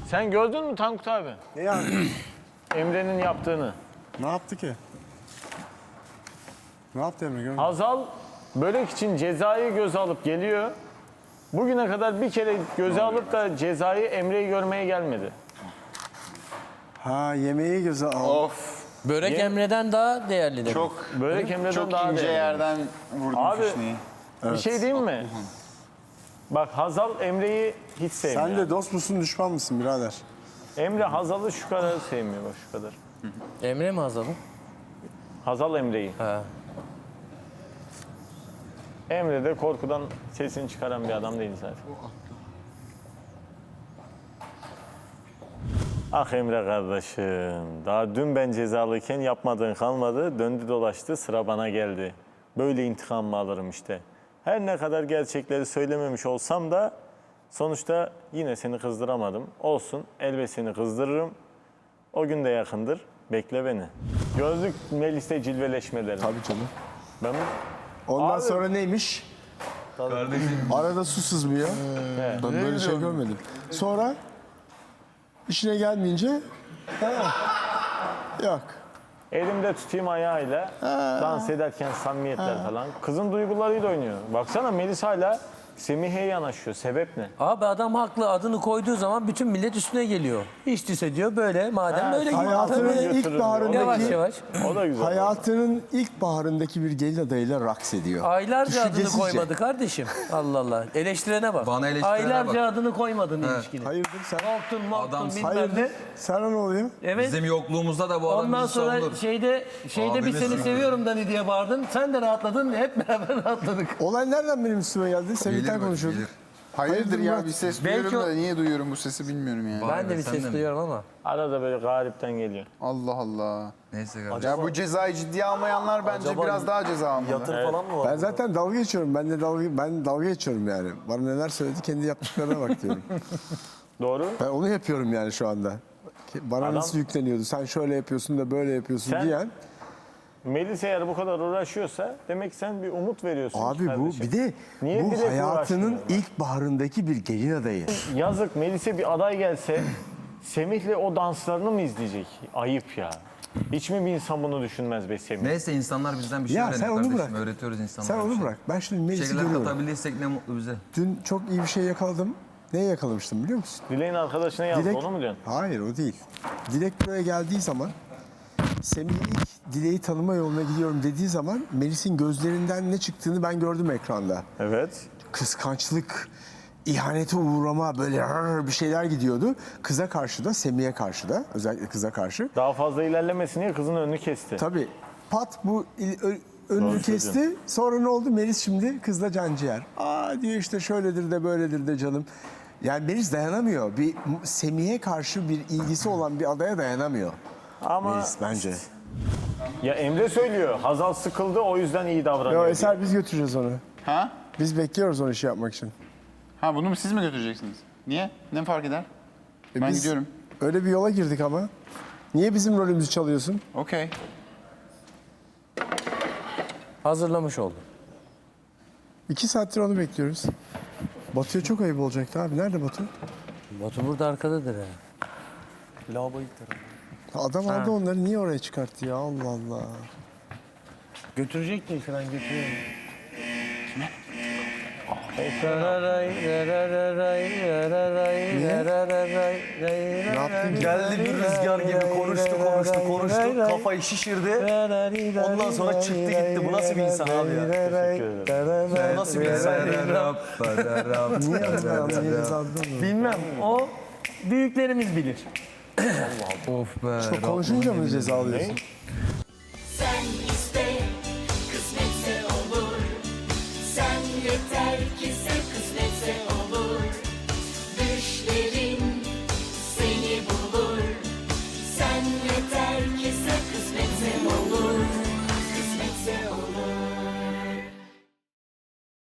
Sen gördün mü Tankut abi? Ne yani? Emre'nin yaptığını. Ne yaptı ki? Ne yaptı Emre? Görmedim. Hazal börek için cezayı göze alıp geliyor. Bugüne kadar bir kere göze alıp da cezayı Emre'yi görmeye gelmedi. Ha, yemeği göze al. Of. Börek Emre'den daha değerli demek. Çok Börek Emre'den çok daha ince değerli. yerden vurdum Abi, fişneyi. Bir şey diyeyim mi? Bak Hazal Emre'yi hiç sevmiyor. Sen de dost musun, düşman mısın birader? Emre Hazal'ı şu kadar sevmiyor bak şu kadar. Emre mi Hazal'ı? Hazal Emre'yi. Ha. Emre de korkudan sesini çıkaran bir adam değil zaten. Ah Emre kardeşim, daha dün ben cezalıyken yapmadığın kalmadı, döndü dolaştı sıra bana geldi. Böyle intikam mı alırım işte. Her ne kadar gerçekleri söylememiş olsam da sonuçta yine seni kızdıramadım. Olsun, elbet seni kızdırırım. O gün de yakındır, bekle beni. Gözlük Melis'te cilveleşmelerim. Tabii canım. Ben Ondan Abi- sonra neymiş? Arada su sızmıyor. Evet. Ben böyle şey görmedim. Sonra işine gelmeyince yok. Elimde tutayım ayağıyla dans ederken samimiyetler falan. Kızın duygularıyla oynuyor. Baksana Melis hala Semih'e yanaşıyor. Sebep ne? Abi adam haklı, adını koyduğu zaman bütün millet üstüne geliyor. Hiç değilse diyor böyle, madem böyle gibi. Hayatının Tabii. ilk götürürüm. baharındaki, Yavaş yavaş. O da güzel. hayatının ilk baharındaki bir gelin adayıyla raks ediyor. Aylarca adını Düşüncesizce. koymadı kardeşim. Allah Allah. Eleştirene bak. Bana eleştirene Aylarca bak. adını koymadın ilişkine. Hayırdır sen? Korktun, morktun, Adamsın. bilmem Hayırdır? ne. Sana ne oluyor? Evet. Bizim yokluğumuzda da bu adam Ondan bizi sonra savunur. şeyde bir Abimiz seni ya. seviyorum Dani diye bağırdın. Sen de rahatladın. Hep beraber rahatladık. Olay nereden benim üstüme geldi? Semih'ten Gelir, konuşuyorduk. gelir. Hayırdır ya Murat? bir ses Belki duyuyorum o- da niye duyuyorum bu sesi bilmiyorum yani. Vay Ben de be, bir sen ses de mi? duyuyorum ama. Arada böyle garipten geliyor. Allah Allah. Neyse kardeşim. Ya bu cezayı ciddiye almayanlar bence biraz daha ceza almalı. falan mı var? Ben zaten dalga geçiyorum. Ben dalga geçiyorum yani. Bana neler söyledi, kendi yaptıklarına bak diyorum. Doğru. Ben onu yapıyorum yani şu anda. Bana Adam- nasıl yükleniyordu? Sen şöyle yapıyorsun da böyle yapıyorsun Sen- diyen. Melis eğer bu kadar uğraşıyorsa demek ki sen bir umut veriyorsun. Abi bu kardeşim. bir de Niye bu direkt hayatının uğraşmıyorlar? ilk baharındaki bir gelin adayı. Yazık Melis'e bir aday gelse Semih'le o danslarını mı izleyecek? Ayıp ya. Hiç mi bir insan bunu düşünmez be Semih? Neyse insanlar bizden bir şey Ya öğreniyor sen onu kardeşim. bırak. Öğretiyoruz insanlara. Sen bir onu şey. bırak. Ben şimdi Bir Melis'i şeyler görüyorum. katabilirsek ne mutlu bize. Dün çok iyi bir şey yakaladım. Neyi yakalamıştım biliyor musun? Dileğin arkadaşına yazdı onu mu diyorsun? Hayır o değil. Dilek buraya geldiği zaman Semih ilk Dilek'i tanıma yoluna gidiyorum dediği zaman Melis'in gözlerinden ne çıktığını ben gördüm ekranda. Evet. Kıskançlık, ihanete uğrama böyle bir şeyler gidiyordu. Kıza karşı da Semih'e karşı da özellikle kıza karşı. Daha fazla ilerlemesin diye kızın önünü kesti. Tabii pat bu önünü Doğru kesti. söylüyorsun. Sonra ne oldu? Melis şimdi kızla canciğer. Aa diyor işte şöyledir de böyledir de canım. Yani Melis dayanamıyor. Bir Semih'e karşı bir ilgisi olan bir adaya dayanamıyor. Ama Melis bence. ya Emre söylüyor. Hazal sıkıldı o yüzden iyi davranıyor. Yo Eser biz götüreceğiz onu. Ha? Biz bekliyoruz onu işi yapmak için. Ha bunu mu siz mi götüreceksiniz? Niye? Ne fark eder? Ben Biz gidiyorum. Öyle bir yola girdik ama. Niye bizim rolümüzü çalıyorsun? Okey. Hazırlamış oldum. 2 saattir onu bekliyoruz. Batu'ya çok ayıp olacaktı abi. Nerede Batu? Batu burada arkadadır ha. Lavabo ilk tarafı. Adam aldı onları. Niye oraya çıkarttı ya? Allah Allah. Götürecek değil falan götürüyor. Ne yaptın ki? Geldi bir rüzgar gibi konuştu. Kafayı şişirdi. Ondan sonra çıktı gitti. Bu nasıl bir insan abi ya? Bu nasıl bir insan? Niye aldın? Bilmem. O büyüklerimiz bilir. Of be. Konuşunca mı ceza alıyorsun? Sen